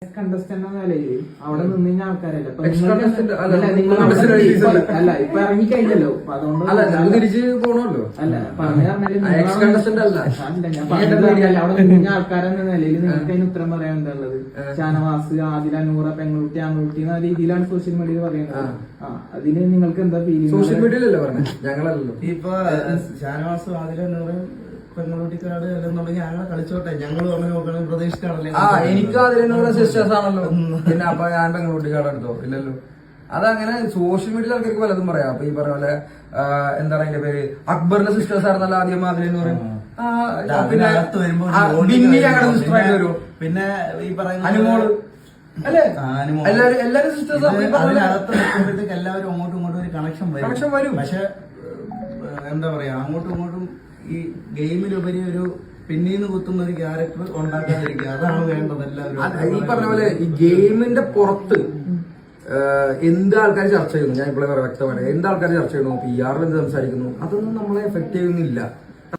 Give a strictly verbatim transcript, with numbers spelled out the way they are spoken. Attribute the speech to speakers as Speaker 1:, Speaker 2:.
Speaker 1: Contestant എന്ന നിലയിൽ അവിടെ നിന്ന് കഴിഞ്ഞ ആൾക്കാരല്ല അല്ല ഇപ്പൊ ഇറങ്ങി കഴിഞ്ഞല്ലോ അപ്പൊ അതുകൊണ്ട്
Speaker 2: തിരിച്ച് പോണല്ലോ.
Speaker 1: അല്ല പറഞ്ഞു പറഞ്ഞാല് ഞാൻ പറഞ്ഞ അവിടെ നിന്ന ആൾക്കാരെന്ന നിലയിൽ നിങ്ങൾക്ക് അതിന് ഉത്തരം പറയാൻ എന്താണുള്ളത്? ഷാനവാസ്, ആദില, നൂറ, പെൺകുട്ടി, ആൺകുട്ടി എന്ന രീതിയിലാണ് സോഷ്യൽ മീഡിയയിൽ പറയുന്നത്. ആ അതിന് നിങ്ങൾക്ക് എന്താ ഫീലിംഗ്?
Speaker 2: സോഷ്യൽ മീഡിയയിലല്ലേ പറഞ്ഞത്, ഞങ്ങളല്ലോ.
Speaker 3: ഇപ്പൊ ഷാനവാസും ആദില, നൂറും പെൺകുട്ടിക്കാട് എന്നുണ്ടെങ്കിൽ ഞങ്ങളെ കളിച്ചോട്ടെ, ഞങ്ങൾ പറഞ്ഞു നോക്കണം പ്രതീക്ഷിച്ചാണല്ലേ.
Speaker 2: ആ എനിക്ക് അതിനുള്ള സിസ്റ്റേഴ്സ് ആണല്ലോ, പിന്നെ അപ്പൊ ഞാൻ പെൺകുട്ടിക്കാട് എടുത്തോ ഇല്ലല്ലോ. അതങ്ങനെ സോഷ്യൽ മീഡിയയിൽ ആൾക്കാർക്ക് പലതും പറയാം. അപ്പൊ ഈ പറഞ്ഞ പോലെ എന്താണ് അതിന്റെ പേര്, അക്ബറിന്റെ സിസ്റ്റേഴ്സ് ആയിരുന്നല്ലോ ആദ്യം അതിലെന്ന് പറയും. പിന്നെ ഞങ്ങളുടെ വരും,
Speaker 3: പിന്നെ ഈ പറയുന്ന
Speaker 2: അനുമോള് അല്ലേ, എല്ലാരും എല്ലാരും സിസ്റ്റേഴ്സ്
Speaker 3: അതിനകത്ത് നിൽക്കുമ്പോഴത്തേക്ക് എല്ലാവരും അങ്ങോട്ടും ഇങ്ങോട്ടും ഒരു കണക്ഷൻ വരും
Speaker 2: കണക്ഷൻ വരും
Speaker 3: പക്ഷെ എന്താ പറയാ, അങ്ങോട്ടും ഇങ്ങോട്ടും ഈ ഗെയിമിലുപരി ഒരു പിന്നീന്ന് കുത്തുന്ന ഒരു ക്യാരക്ടർ ഉണ്ടാക്കാതിരിക്കുക, അതാണ് വേണ്ടത് എല്ലാവരും.
Speaker 2: ഈ പറഞ്ഞ പോലെ ഈ ഗെയിമിന്റെ പുറത്ത് എന്ത് ആൾക്കാർ ചർച്ച ചെയ്യുന്നു, ഞാൻ ഇപ്പോഴേ വ്യക്തമായിട്ട് എന്ത് ആൾക്കാർ ചർച്ച ചെയ്യുന്നു, പി ആറിൽ എന്ത് സംസാരിക്കുന്നു, അതൊന്നും നമ്മളെ എഫക്ട് ചെയ്യുന്നില്ല.